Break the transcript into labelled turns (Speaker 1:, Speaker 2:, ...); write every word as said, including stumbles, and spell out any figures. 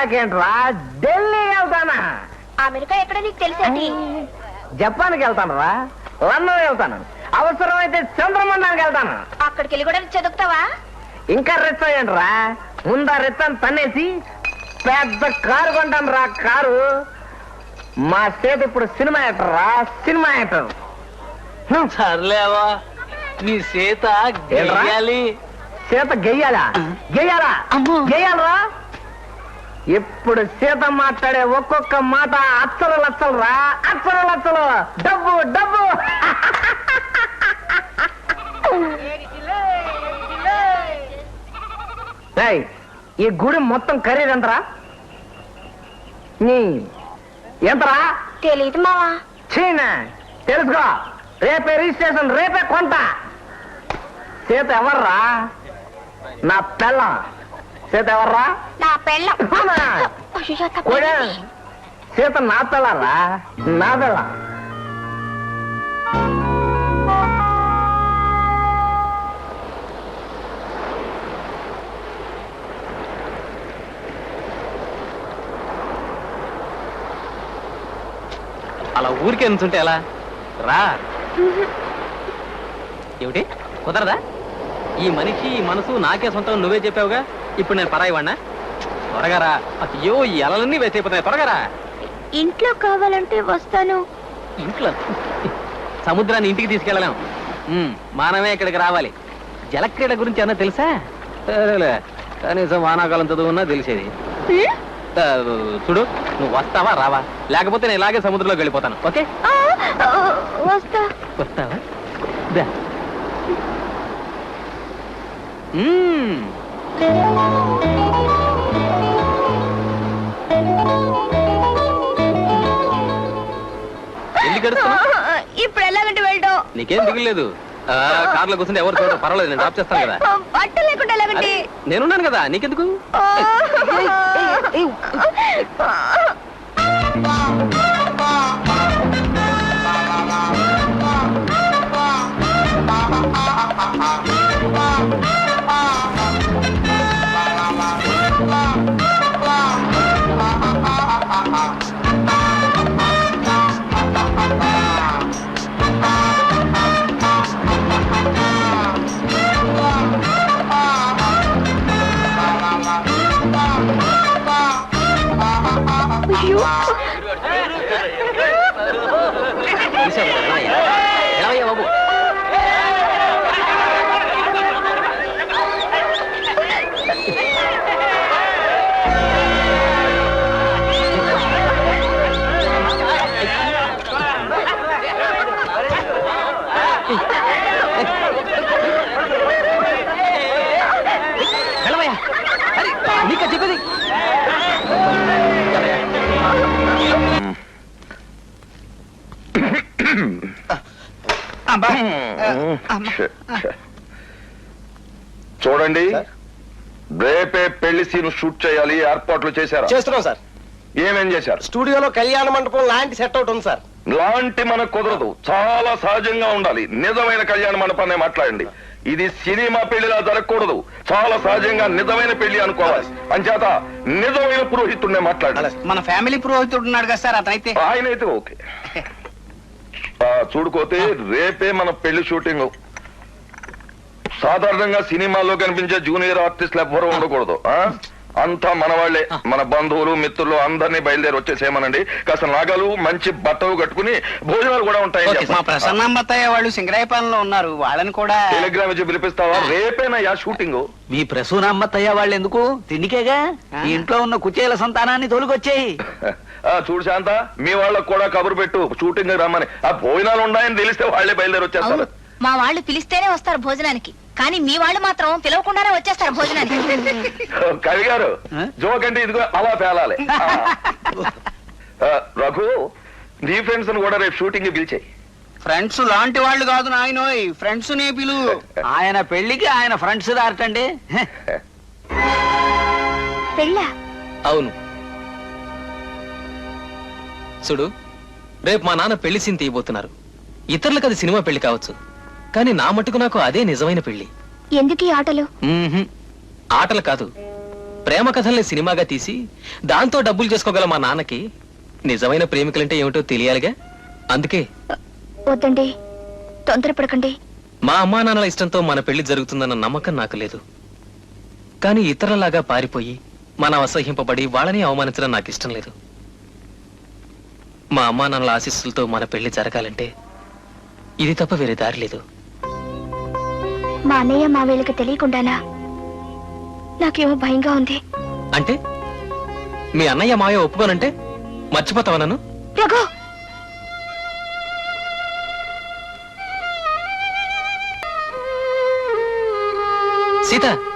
Speaker 1: అమెరికాకి ఏంట్రా ఢిల్లీ వెళ్తానా.
Speaker 2: అమెరికా ఎక్కడ నీకు తెలిసేది?
Speaker 1: జపాన్కి వెళ్తాను రా, లండన్ వెళ్తాను, అవసరమైతే చంద్రమండానికి వెళ్తాను.
Speaker 2: అక్కడికి వెళ్ళి కూడా చదువుతావా?
Speaker 1: ఇంకా రెచ్చ ఏంట్రా, ముందా రెచ్చని తన్నేసి పెద్ద కారు కొంటాను రా. కారు మా చేతి ఇప్పుడు సినిమా యాక్టర్ రా, సినిమా యాక్టర్.
Speaker 3: సర్లేవా, నీ సీత గెయ్యాలి.
Speaker 1: సీత గెయ్యాలా? గెయ్యాలా? గెయ్యాలరా. ఇప్పుడు సీత మాట్లాడే ఒక్కొక్క మాట అచ్చలు లచ్చలు రా, అచ్చలు లచ్చలు. డబ్బు డబ్బు. ఈ గుడి మొత్తం ఖరీదు ఎంతరా? ఎంతరా?
Speaker 2: తెలీదు మావా.
Speaker 1: చీనా తెలుసుకో, రేపే రిజిస్ట్రేషన్, రేపే కొంట. సీత ఎవర్రా? నా పెళ్ళం. సీత ఎవర్రా?
Speaker 2: నా పెళ్ళం.
Speaker 1: సీత నా పెళ్ళరా, నా పెళ్ళం.
Speaker 3: అలా ఊరికే నుంచుంటే ఎలా రా? ఏమిటి కుదరదా? ఈ మనిషి ఈ మనసు నాకే సొంతం, నువ్వే చెప్పావుగా. ఇప్పుడు నేను పరాయి వాడినా? త్వరగా రా. అయ్యో ఈ అలలన్నీ వేస్ట్ అయిపోతాయి, త్వరగా రా.
Speaker 2: ఇంట్లో కావాలంటే వస్తాను.
Speaker 3: ఇంట్లో సముద్రాన్ని ఇంటికి తీసుకెళ్ళలేం, మానమే ఇక్కడికి రావాలి. జలక్రీడ గురించి అన్నా తెలుసా? కనీసం వానాకాలం చదువున్నా తెలిసేది. చూడు, నువ్వు వస్తావా రావా? లేకపోతే నేను ఇలాగే సముద్రంలోకి వెళ్ళిపోతాను. ఓకే
Speaker 2: వస్తా.
Speaker 3: వస్తావా? ఎందుకు
Speaker 2: ఇప్పుడు ఎలాగంటే వెళ్ళడం?
Speaker 3: నీకేం దిగులేదు. కార్లో కూర్చుంటే ఎవరు చూడ, పర్వాలేదు, నేను డ్రాప్ చేస్తాను కదా.
Speaker 2: బట్టలు లేకుండా ఎలాగంటే?
Speaker 3: నేనున్నాను కదా, నీకెందుకు? బాబు నీకా చెప్పేది.
Speaker 4: చూడండి, రేపే పెళ్లి సీన్ షూట్ చేయాలి, ఏర్పాట్లు చేశారా?
Speaker 5: చేస్తున్నాం సార్.
Speaker 4: ఏమేం చేశారు?
Speaker 5: స్టూడియోలో కళ్యాణ మండపం లాంటి సెట్ అవుట్ ఉంది సార్.
Speaker 4: లాంటి మనకు కుదరదు, చాలా సహజంగా ఉండాలి. నిజమైన కళ్యాణ మండపాన్ని మాట్లాడండి. ఇది సినిమా పెళ్లిలా జరగకూడదు, చాలా సహజంగా నిజమైన పెళ్లి అనుకోవాలి. అంచేత నిజమైన పురోహితుడినే మాట్లాడాలి.
Speaker 6: మన ఫ్యామిలీ పురోహితుడు ఉన్నాడు కదా సార్, అతనైతే
Speaker 4: ఆయన అయితే ఓకే. చూడుకోతే రేపే మన పెళ్లి షూటింగ్. సాధారణంగా సినిమాల్లో కనిపించే జూనియర్ ఆర్టిస్టులు ఎవ్వరూ ఉండకూడదు. అంతా మన వాళ్లే, మన బంధువులు మిత్రులు అందరినీ బయలుదేరి వచ్చేసేమనండి. కాస్త నాగలు మంచి బట్టలు కట్టుకుని భోజనాలు కూడా ఉంటాయి.
Speaker 6: మా ప్రసన్నమ్మత్తయ్య వాళ్ళు సింగరాయపాలెంలో ఉన్నారు, వాళ్ళని కూడా
Speaker 4: టెలిగ్రామ్ ఇచ్చి పిలిపిస్తావా? రేపేనయ్యా షూటింగ్.
Speaker 6: మీ ప్రసూనమ్మత్తయ్య వాళ్ళు ఎందుకు? తిండికేగా. ఇంట్లో ఉన్న కుచేల సంతానాన్ని తోలుకొచ్చేయి.
Speaker 4: చూడు శాంత, మీ వాళ్ళకు కూడా కబురు పెట్టు షూటింగ్ రమ్మని. ఆ భోజనాలు ఉన్నాయని తెలిస్తే వాళ్లే బయలుదేరి వచ్చేస్తారు.
Speaker 2: మా వాళ్ళు పిలిస్తేనే వస్తారు భోజనానికి, కానీ మీ వాళ్ళు మాత్రం పిలవకుండానే వచ్చేస్తారు భోజనానికి.
Speaker 4: కవి గారు, జోక్ అంటే ఇదిగో అలా పేలాలి. రఘు, నీ ఫ్రెండ్స్ కూడా రేపు షూటింగ్ పిలిచాయి.
Speaker 6: ఫ్రెండ్స్ లాంటి వాళ్ళు కాదు నాయనోయ్, ఫ్రెండ్స్ నే పిలు. ఆయన పెళ్లికి ఆయన ఫ్రెండ్స్ దాటండి.
Speaker 2: పెళ్ళా?
Speaker 3: అవును. చూడు, రేపు మా నాన్న పెళ్లి సీన్ తీయబోతున్నారు. ఇతరులకు అది సినిమా పెళ్లి కావచ్చు, కానీ నా మట్టుకు నాకు అదే నిజమైన పెళ్లి.
Speaker 2: ఎందుకు ఈ ఆటలు?
Speaker 3: ఆటలు కాదు, ప్రేమ కథల్ని సినిమాగా తీసి దాంతో డబ్బులు చేసుకోగల మా నాన్నకి నిజమైన ప్రేమికులంటే ఏమిటో తెలియాలిగా. అందుకే
Speaker 2: వద్దండి, తొందరపడకండి.
Speaker 3: మా అమ్మా నాన్నల ఇష్టంతో మన పెళ్లి జరుగుతుందన్న నమ్మకం నాకు లేదు. కానీ ఇతరులలాగా పారిపోయి మనం అసహ్యింపబడి వాళ్ళని అవమానించడం నాకు ఇష్టం లేదు. మా అమ్మా నాన్నల ఆశీస్సులతో మన పెళ్లి జరగాలంటే ఇది తప్ప వేరే దారి లేదు.
Speaker 2: మా అన్నయ్య మా వీళ్ళకి తెలియకుండానా? నాకేమో భయంగా ఉంది.
Speaker 3: అంటే మీ అన్నయ్య మాయ ఒప్పుకోనంటే మర్చిపోతావా నన్ను?
Speaker 2: రఘు,
Speaker 3: సీత